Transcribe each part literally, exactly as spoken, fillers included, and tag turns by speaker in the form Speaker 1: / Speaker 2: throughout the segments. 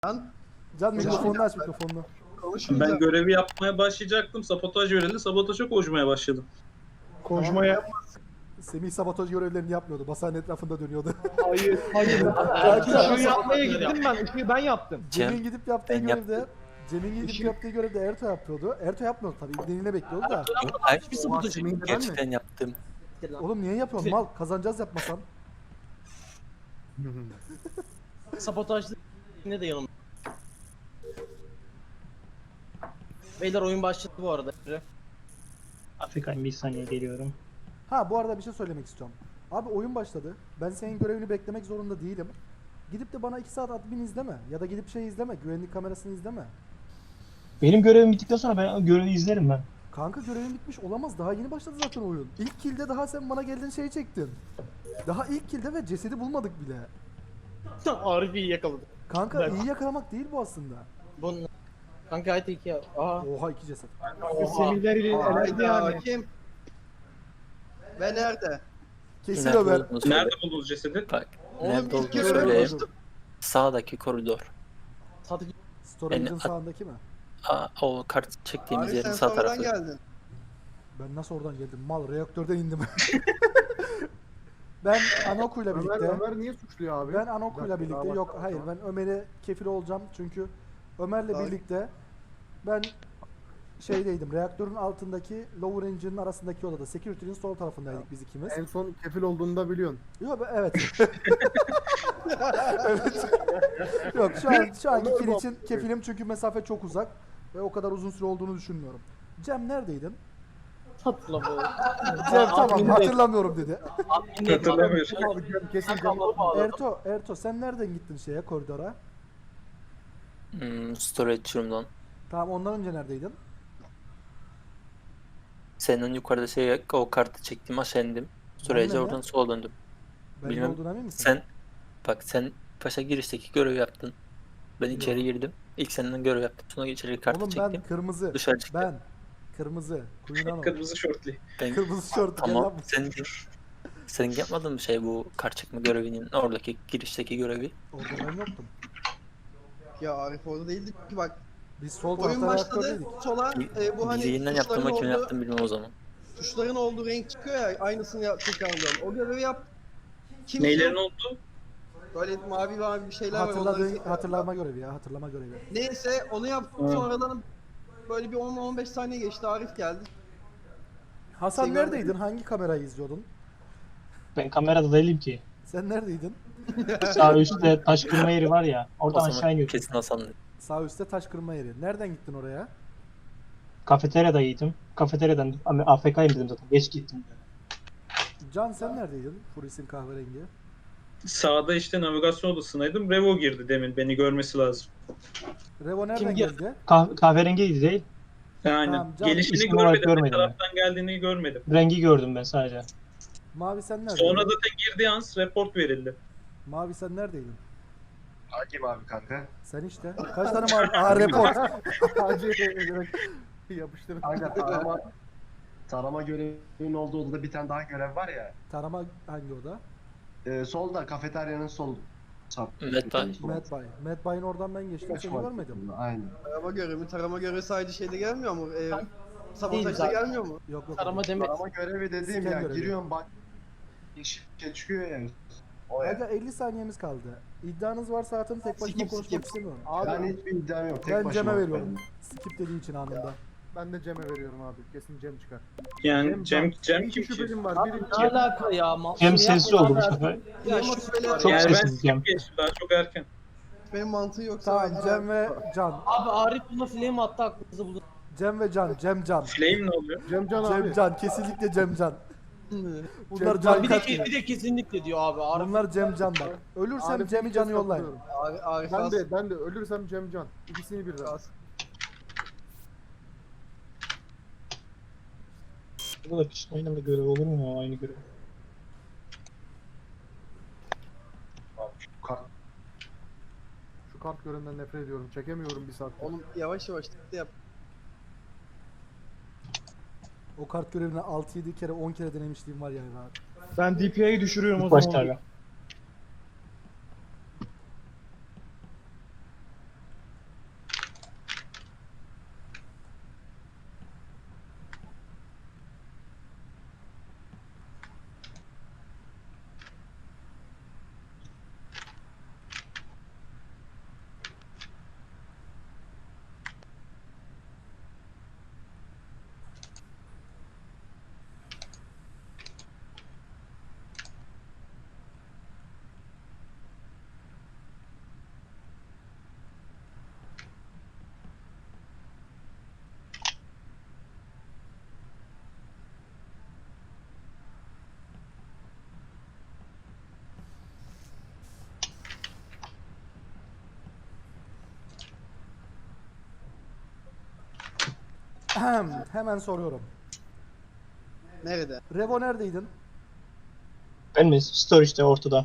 Speaker 1: Can,
Speaker 2: Can mikrofonunu aç mikrofonunu.
Speaker 1: konuşmayacağım.
Speaker 3: Ben görevi yapmaya başlayacaktım. Sabotaj verildi. Sabotaja koşmaya başladım.
Speaker 4: Konuşmaya
Speaker 2: Semih sabotaj görevlerini yapmıyordu. Basanın etrafında dönüyordu.
Speaker 4: hayır hayır.
Speaker 2: Kanka.
Speaker 4: Işığı yapmaya gittim ben. Işığı ben yaptım.
Speaker 2: Cem'in gidip yaptığı
Speaker 5: ben
Speaker 2: görevde Cem'in gidip
Speaker 4: Işık-
Speaker 2: yaptığı görevde Erto yapıyordu. Erto yapmıyordu tabii. İbneliğine bekliyordu da.
Speaker 5: Yok hayır.
Speaker 1: Hiçbir sabotaj yok.
Speaker 5: Gerçekten yaptım.
Speaker 2: Oğlum niye yapıyorsun mal? Kazanacağız yapmasan.
Speaker 6: Sabotajlı ne de yanımda. Beyler oyun başladı bu arada.
Speaker 4: Afrika'yım bir saniye geliyorum.
Speaker 2: Ha bu arada bir şey söylemek istiyorum. Abi oyun başladı. Ben senin görevini beklemek zorunda değilim. Gidip de bana iki saat admin izleme. Ya da gidip şey izleme. Güvenlik kamerasını izleme.
Speaker 4: Benim görevim bittikten sonra ben görevi izlerim ben.
Speaker 2: Kanka görevin bitmiş olamaz. Daha yeni başladı zaten oyun. İlk kill'de daha sen bana geldiğin şeyi çektin. Daha ilk kill'de ve cesedi bulmadık bile.
Speaker 6: Arif'i iyi yakaladı.
Speaker 2: Kanka
Speaker 4: Evet.
Speaker 2: iyi yakalamak değil bu aslında.
Speaker 6: Bunun kanka haydi iki ya. Aa.
Speaker 2: Oha iki ceset.
Speaker 4: Semihler ile elendi yani.
Speaker 1: Hayda, kim? Ve nerede?
Speaker 2: Kesin
Speaker 5: Nerede
Speaker 2: Ömer.
Speaker 5: olduğunu söyle.
Speaker 3: Nerede buldunuz cesedi?
Speaker 5: Bak.
Speaker 1: Oğlum
Speaker 5: Nerede
Speaker 1: ilk
Speaker 5: olduğunu
Speaker 1: görevi
Speaker 5: söyleyeyim.
Speaker 1: konuştum.
Speaker 5: Sağdaki koridor.
Speaker 6: Sadık
Speaker 2: Storage'ın
Speaker 5: Yani-
Speaker 2: sağındaki mi?
Speaker 5: Aa, o kart çektiğimiz
Speaker 1: Abi sen
Speaker 5: yerin sağ
Speaker 1: sonradan
Speaker 5: tarafı.
Speaker 1: geldin.
Speaker 2: Ben nasıl oradan geldim? Mal reaktörden indim. Ben Anoku'yla
Speaker 7: Ömer,
Speaker 2: birlikte.
Speaker 7: Ömer niye suçluyor abi?
Speaker 2: Ben Anoku'yla
Speaker 7: Bir dakika,
Speaker 2: birlikte.
Speaker 7: daha
Speaker 2: Yok
Speaker 7: başla.
Speaker 2: hayır ben Ömer'e kefil olacağım çünkü Ömer'le
Speaker 1: Ay.
Speaker 2: birlikte ben şeydeydim. Reaktörün altındaki lower engine'in arasındaki odada. Security'nin sol tarafındaydık biz ikimiz.
Speaker 7: En son kefil olduğunu da biliyorsun.
Speaker 2: Yok ben- evet. Evet. Yok şu an şu anki kill için kefilim çünkü mesafe çok uzak ve o kadar uzun süre olduğunu düşünmüyorum. Cem neredeydin?
Speaker 6: hatırlamıyorum.
Speaker 2: Cem tamam
Speaker 6: adminde-
Speaker 2: hatırlamıyorum dedi.
Speaker 3: Hatırlamıyorum.
Speaker 7: Abi Cem kesin Cem.
Speaker 6: Sakalları bağladım.
Speaker 2: Erto, Erto sen nereden gittin şeye koridora?
Speaker 5: Hmm, storage room'dan.
Speaker 2: Tamam ondan önce neredeydin?
Speaker 5: Senin yukarıda şey o kartı çektim aşağı indim. Storage'e
Speaker 2: ne?
Speaker 5: oradan sola döndüm.
Speaker 2: Ben
Speaker 5: Bilmem.
Speaker 2: ne olduğunu emin misin?
Speaker 5: Sen bak sen paşa girişteki görev yaptın. Ben içeri girdim. İlk seninle görev yaptım. Sonra içeri kartı
Speaker 2: Oğlum
Speaker 5: çektim.
Speaker 2: ben kırmızı.
Speaker 5: Dışarı çıktım.
Speaker 2: Ben kırmızı. Kuyunan
Speaker 3: Kırmızı şortlu.
Speaker 5: Ben,
Speaker 2: Kırmızı şort. gel
Speaker 5: tamam.
Speaker 2: lan.
Speaker 5: Sen senin yapmadın mı şey bu kart çekme görevinin oradaki girişteki görevi?
Speaker 2: Orada ben yoktum.
Speaker 1: Ya Arif orada değildi ki bak.
Speaker 2: Biz sol
Speaker 1: Oyun
Speaker 2: tarafta
Speaker 1: başladı.
Speaker 2: reaktördeydik.
Speaker 1: Sola e, bu hani
Speaker 5: Bizi yeniden
Speaker 1: tuşların
Speaker 5: yaptırmak kim
Speaker 1: olduğu,
Speaker 5: yaptım bilmem o zaman.
Speaker 1: tuşların olduğu renk çıkıyor ya aynısını yap, tekrarlıyorum. O görevi yap. Kim
Speaker 3: Neylerin
Speaker 1: yok?
Speaker 3: oldu?
Speaker 1: Böyle mavi mavi bir şeyler var.
Speaker 2: Hatırladığı,
Speaker 1: onları-
Speaker 2: hatırlama görevi ya hatırlama görevi.
Speaker 1: Neyse onu yaptım
Speaker 3: Hı.
Speaker 1: sonradan böyle bir on on beş saniye geçti Arif geldi.
Speaker 2: Hasan
Speaker 1: Şey
Speaker 2: neredeydin?
Speaker 1: görmedim.
Speaker 2: Hangi kamerayı izliyordun?
Speaker 4: Ben kamerada değilim ki.
Speaker 2: Sen neredeydin?
Speaker 4: Sağ üstte taş kırma yeri var ya.
Speaker 5: O
Speaker 4: Oradan
Speaker 5: zaman
Speaker 4: aşağı iniyordum.
Speaker 5: kesin Hasan'dı.
Speaker 2: Sağ üstte taş kırma yeri. Nereden gittin oraya?
Speaker 4: Kafeteryada yedim. Kafeteryadan A F K'yim dedim zaten. Geç gittim.
Speaker 2: Can sen neredeydin? Furis'in kahverengi.
Speaker 3: Sağda işte navigasyon odasındaydım. Revo girdi demin. Beni görmesi lazım.
Speaker 2: Revo nereden
Speaker 6: geldi?
Speaker 2: geldi?
Speaker 4: Kah kahverengiydi değil.
Speaker 3: Yani
Speaker 2: Tamam, can-
Speaker 3: gelişini
Speaker 4: İsim olarak
Speaker 3: görmedim. Ne
Speaker 4: görmedim ben.
Speaker 3: taraftan geldiğini görmedim.
Speaker 4: Rengi gördüm ben sadece.
Speaker 2: Mavi sen neredeydin?
Speaker 3: Sonra zaten girdiği an report verildi.
Speaker 2: Mavi sen neredeydin?
Speaker 7: Hangi mavi kanka?
Speaker 2: Sen işte. Kaç tane mavi? Aa report.
Speaker 7: Hacı direkt yapıştırın. Kanka tarama, tarama görevinin olduğu odada bir tane daha görev var ya.
Speaker 2: Tarama hangi oda?
Speaker 7: Ee, solda kafeteryanın sol. Sap.
Speaker 5: Medbay.
Speaker 2: Medbay. Medbay'ın oradan ben geçtim seni görmedim.
Speaker 7: Aynen.
Speaker 1: Tarama görevi, tarama görevi sadece şeyde gelmiyor mu? Ee,
Speaker 6: Değil
Speaker 1: sabotajda
Speaker 6: zaten.
Speaker 1: gelmiyor mu?
Speaker 2: Yok yok.
Speaker 6: Tarama demet.
Speaker 7: Tarama görevi dediğim
Speaker 2: Scan
Speaker 7: ya
Speaker 2: görevi.
Speaker 7: giriyorum bak. Yeşil şey çıkıyor ya. O
Speaker 2: Aga
Speaker 7: ya.
Speaker 2: elli saniyemiz kaldı. İddianız varsa atın tek başıma
Speaker 1: Skip,
Speaker 2: konuşmak
Speaker 1: skip.
Speaker 2: istemiyorum.
Speaker 7: Ben hiçbir iddiam yok. Tek
Speaker 2: Ben
Speaker 7: başıma.
Speaker 2: Cem'e veriyorum. Skip dediği için anında.
Speaker 7: Ben de Cem'e veriyorum abi. Kesin Cem çıkar.
Speaker 3: Yani Cem, Cem
Speaker 7: İki
Speaker 3: kim ki?
Speaker 7: şüphelim var. Biri
Speaker 6: Ne alaka ya? Ma-
Speaker 4: Cem
Speaker 6: Bunu
Speaker 4: sessiz
Speaker 6: yapma
Speaker 4: oldu bu
Speaker 6: abi.
Speaker 4: sefer.
Speaker 1: Ya
Speaker 6: Benim
Speaker 1: şüpheli
Speaker 4: Çok
Speaker 3: Yani ben
Speaker 4: sessiz Cem.
Speaker 3: skip geçtim. Daha çok erken.
Speaker 1: benim mantığı yoksa
Speaker 2: Tamam
Speaker 1: ben-
Speaker 2: Cem ve Can.
Speaker 6: Abi Arif buna flame attı aklınızı bulun.
Speaker 2: Cem ve Can. Cem Can.
Speaker 3: Flame ne oluyor?
Speaker 7: Cemcan abi.
Speaker 2: Cem Can. Kesinlikle Cem Can. Bunlar
Speaker 7: Cem
Speaker 2: Can
Speaker 6: Bir de,
Speaker 2: kaç
Speaker 6: ke- bir de kesinlikle diyor abi. Arif
Speaker 2: Bunlar Cem Can bak. Ölürsem
Speaker 7: Arif'in
Speaker 2: Cem'i
Speaker 7: kez
Speaker 2: Can'ı yollayın.
Speaker 7: katılıyorum.
Speaker 1: Arif, Arif
Speaker 7: Ben
Speaker 1: az-
Speaker 7: de ben de ölürsem Cemcan. İkisini birden.
Speaker 1: az.
Speaker 4: Bu da piç. Aynı bir görev olur mu ya? Aynı görev.
Speaker 7: Kart. Şu kart görevinden nefret ediyorum. Çekemiyorum bir saat.
Speaker 1: Oğlum yavaş yavaş tıklı yap.
Speaker 2: O kart görevini altı yedi kere on kere denemişliğim var yani.
Speaker 4: Ben D P I'yi düşürüyorum o zaman. Başta abi.
Speaker 2: Ahem, hemen soruyorum.
Speaker 1: Nerede?
Speaker 2: Revo neredeydin?
Speaker 4: Ben mi? Storage'de ortada.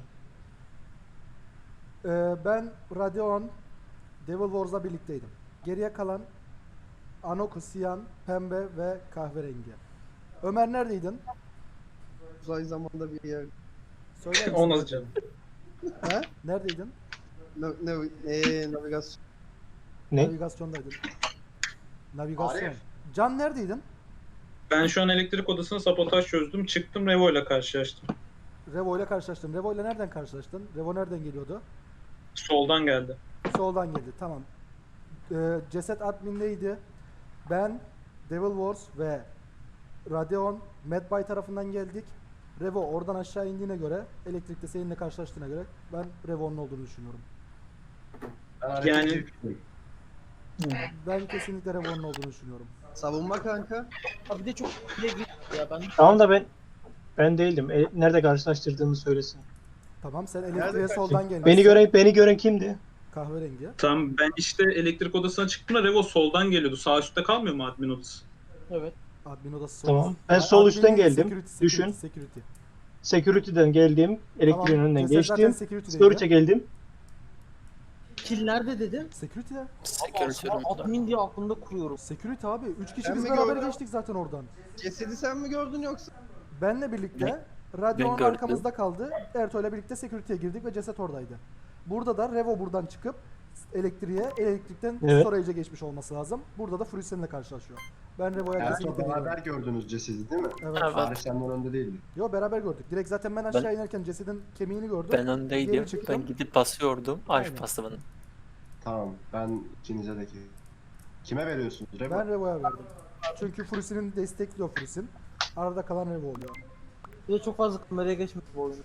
Speaker 2: Ee, ben Radeon, Devil Wars'la birlikteydim. Geriye kalan Anoku, Siyan, Pembe ve Kahverengi. Ömer neredeydin?
Speaker 1: Uzay zamanda bir yer.
Speaker 2: Söyler misin?
Speaker 3: O nasıl canım?
Speaker 1: Ha?
Speaker 2: Neredeydin?
Speaker 1: Ne, ne, ee, navigasyon.
Speaker 4: Ne?
Speaker 2: Navigasyondaydın. Navigasyon.
Speaker 7: Arif.
Speaker 2: Can neredeydin?
Speaker 3: Ben şu an elektrik odasına sabotaj çözdüm. Çıktım Revo ile karşılaştım.
Speaker 2: Revo ile karşılaştın. Revo ile nereden karşılaştın? Revo nereden geliyordu?
Speaker 3: Soldan geldi.
Speaker 2: Soldan geldi. Tamam. Ee, ceset admindeydi. Ben, Devil Wars ve Radeon, Medbay tarafından geldik. Revo oradan aşağı indiğine göre, elektrikte seninle karşılaştığına göre ben Revo'nun olduğunu düşünüyorum.
Speaker 7: Ben Arif'in
Speaker 3: Yani-
Speaker 7: çiftiyim.
Speaker 2: Ben kesinlikle Revo'nun olduğunu düşünüyorum.
Speaker 1: Savunma kanka.
Speaker 6: Abi de çok bile gitti ya ben.
Speaker 4: Tamam da ben ben değildim. E, nerede karşılaştırdığımı söylesin.
Speaker 2: Tamam, sen
Speaker 1: Nerede
Speaker 2: elektriğe
Speaker 1: kaç-
Speaker 2: soldan gelmişsin.
Speaker 4: Beni gören beni gören kimdi?
Speaker 2: Kahverengi.
Speaker 3: Tamam ben işte elektrik odasına çıktığımda Revo soldan geliyordu. Sağ üstte kalmıyor mu admin odası?
Speaker 6: Evet.
Speaker 2: Admin odası sol.
Speaker 4: Tamam. Ben
Speaker 2: Ha,
Speaker 4: sol
Speaker 2: admin
Speaker 4: üstten
Speaker 2: değil,
Speaker 4: geldim.
Speaker 2: security, security,
Speaker 4: Düşün.
Speaker 2: Security.
Speaker 4: Security'den geldim. Elektriğin
Speaker 2: Tamam,
Speaker 4: önünden
Speaker 2: ceset zaten
Speaker 4: geçtim.
Speaker 2: security'deydi.
Speaker 4: Storage'e geldim.
Speaker 6: Kill nerede dedin?
Speaker 2: Security'de.
Speaker 5: Security
Speaker 6: Abi,
Speaker 5: room'da.
Speaker 6: admin diye aklımda kuruyorum.
Speaker 2: Security abi. Üç kişi
Speaker 1: Ben
Speaker 2: biz
Speaker 1: mi
Speaker 2: beraber
Speaker 1: gördüm?
Speaker 2: geçtik zaten oradan.
Speaker 1: Cesedi sen mi gördün yoksa?
Speaker 2: Benle birlikte
Speaker 5: Ne?
Speaker 2: Radeon
Speaker 5: Ben gördüm.
Speaker 2: arkamızda kaldı. Ertuğ'la birlikte security'ye girdik ve ceset oradaydı. Burada da Revo buradan çıkıp elektriğe, elektrikten
Speaker 4: Evet.
Speaker 2: storage'e geçmiş olması lazım. Burada da Frusen'le karşılaşıyor. Ben Revo'ya
Speaker 7: Ertuğ
Speaker 2: kesinlikle
Speaker 7: beraber
Speaker 2: gidiyorum.
Speaker 7: gördünüz cesedi değil mi?
Speaker 2: Evet.
Speaker 5: Evet.
Speaker 7: Arif senden önde değildi.
Speaker 2: Yo, beraber gördük. Direkt zaten ben aşağı inerken cesedin kemiğini gördüm.
Speaker 5: Ben öndeydim.
Speaker 2: Geri çıktım.
Speaker 5: Ben gidip basıyordum. Arif
Speaker 2: Aynen.
Speaker 5: bastı bana.
Speaker 7: Tamam ben ikinize de ki. Kime veriyorsunuz? Revo?
Speaker 2: Ben Revo'ya verdim. Çünkü Frusen'in destekliyor Frusen. Arada kalan Revo oluyor.
Speaker 6: Bir de çok fazla kameraya geçmiş bu oyun.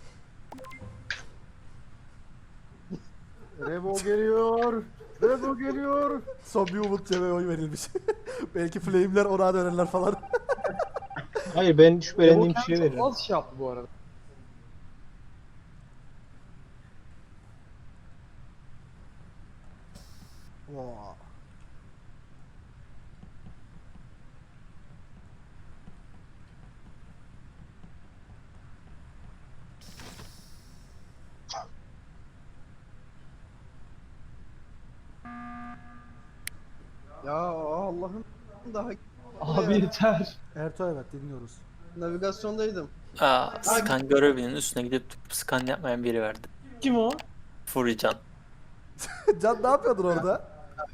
Speaker 2: Revo geliyor. Revo geliyor. Son bir umut cebe oy verilmiş. Belki flame'ler ona dönerler falan.
Speaker 4: Hayır ben şüphelendiğim
Speaker 6: Çok
Speaker 4: kişiye veririm.
Speaker 6: az şey yaptı bu arada.
Speaker 2: Vaa.
Speaker 1: Ya Allah'ım daha
Speaker 6: Abi yeter.
Speaker 2: Ertuğ, evet, dinliyoruz.
Speaker 1: navigasyondaydım.
Speaker 5: Aa, scan görevinin üstüne gidip scan yapmayan biri verdi.
Speaker 6: Kim o?
Speaker 5: Furican.
Speaker 2: Can ne yapıyordun orada?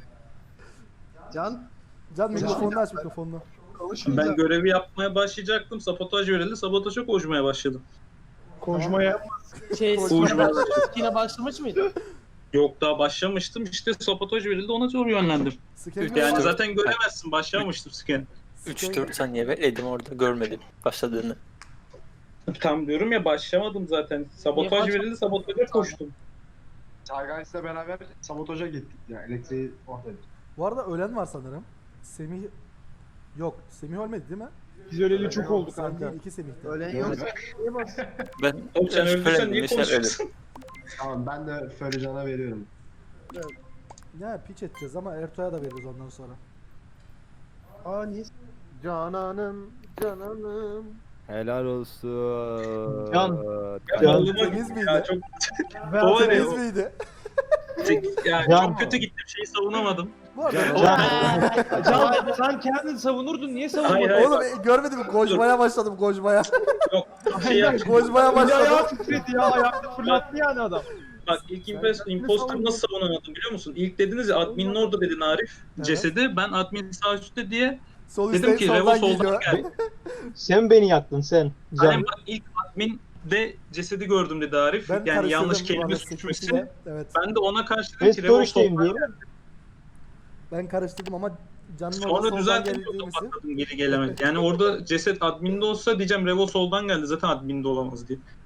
Speaker 1: Can
Speaker 2: Can mikrofonunu aç, mikrofonunu.
Speaker 1: konuşmayacağım.
Speaker 3: Ben görevi yapmaya başlayacaktım. Sabotaj verildi. Sabotaja koşmaya başladım.
Speaker 6: Konuşmaya. Şey,
Speaker 3: Konuşmaya
Speaker 6: yine başlamış mıydı?
Speaker 3: Yok daha başlamıştım. İşte sabotaj verildi. Ona doğru yönlendim.
Speaker 2: Scan
Speaker 3: Yani zaten göremezsin. Başlamamıştım scan.
Speaker 5: üç dört saniye bekledim orada, görmedim başladığını.
Speaker 3: Tam diyorum ya başlamadım zaten. Sabotaj
Speaker 6: Niye baş-
Speaker 3: verildi. Sabotaja koştum.
Speaker 7: Çaygays'le beraber sabotaja gittik ya. Elektriği oradaydı.
Speaker 2: Bu arada ölen var sanırım. Semih... Yok, Semih ölmedi değil mi?
Speaker 6: Biz öleli çok oldu
Speaker 2: Sen değil, iki Semih'ti.
Speaker 1: Ölen
Speaker 7: Evet.
Speaker 1: yoksa niye bas?
Speaker 5: Ben
Speaker 3: Oğlum sen öldüysen
Speaker 5: şüphelendim,
Speaker 3: niye
Speaker 5: sen
Speaker 3: konuşuyorsun?
Speaker 7: Tamam ben de Fölycan'a veriyorum.
Speaker 2: Ya piç edeceğiz ama Ertuğ'a da veririz ondan sonra.
Speaker 1: Aa niye?
Speaker 8: Cananım, cananım. Helal olsun.
Speaker 4: Can.
Speaker 3: Ya,
Speaker 4: Can.
Speaker 3: oğluma
Speaker 2: Temiz
Speaker 3: gitti
Speaker 2: miydi?
Speaker 3: ya, çok,
Speaker 2: Ben
Speaker 3: O var ya,
Speaker 2: temiz
Speaker 3: o-
Speaker 2: miydi?
Speaker 3: ya,
Speaker 4: Can.
Speaker 3: çok kötü gitti. Şeyi savunamadım.
Speaker 2: Bu arada...
Speaker 4: Can.
Speaker 6: Can sen kendin savunurdun, niye savunmadın?
Speaker 3: Hayır hayır.
Speaker 2: Oğlum e, görmedin mi? Koşmaya başladım, koşmaya.
Speaker 3: Yok. Şey yap.
Speaker 2: Koşmaya başladım.
Speaker 6: titredi ya, ayakta fırlattı yani adam.
Speaker 3: Bak ilk impos imposter nasıl savunamadım biliyor musun? İlk dediniz ya adminin orada dedin Arif.
Speaker 2: Evet.
Speaker 3: Cesedi ben admin sağ üstte diye
Speaker 2: Sol
Speaker 3: dedim
Speaker 2: üstten
Speaker 3: ki Revo
Speaker 2: soldan
Speaker 3: soldan
Speaker 2: geliyor.
Speaker 3: geldi.
Speaker 4: Sen beni yaktın sen.
Speaker 3: Hani
Speaker 4: Can.
Speaker 3: bak ilk admin de cesedi gördüm dedi Arif.
Speaker 2: Ben
Speaker 3: yani
Speaker 2: karıştırdım
Speaker 3: yanlış
Speaker 2: bu
Speaker 3: kelime
Speaker 2: arada
Speaker 3: suçmuşsun.
Speaker 2: security'yle. Evet.
Speaker 3: Ben de ona karşı
Speaker 4: Ben
Speaker 3: dedim ki Revo
Speaker 4: storage'deyim
Speaker 3: soldan
Speaker 4: diyorum.
Speaker 2: Ben karıştırdım ama canın orada
Speaker 3: Sonra
Speaker 2: soldan
Speaker 3: düzelttim
Speaker 2: geldiğimizi...
Speaker 3: patladım geri gelemedi. Yani orada ceset adminde olsa diyeceğim Revo soldan geldi zaten adminde olamaz diye.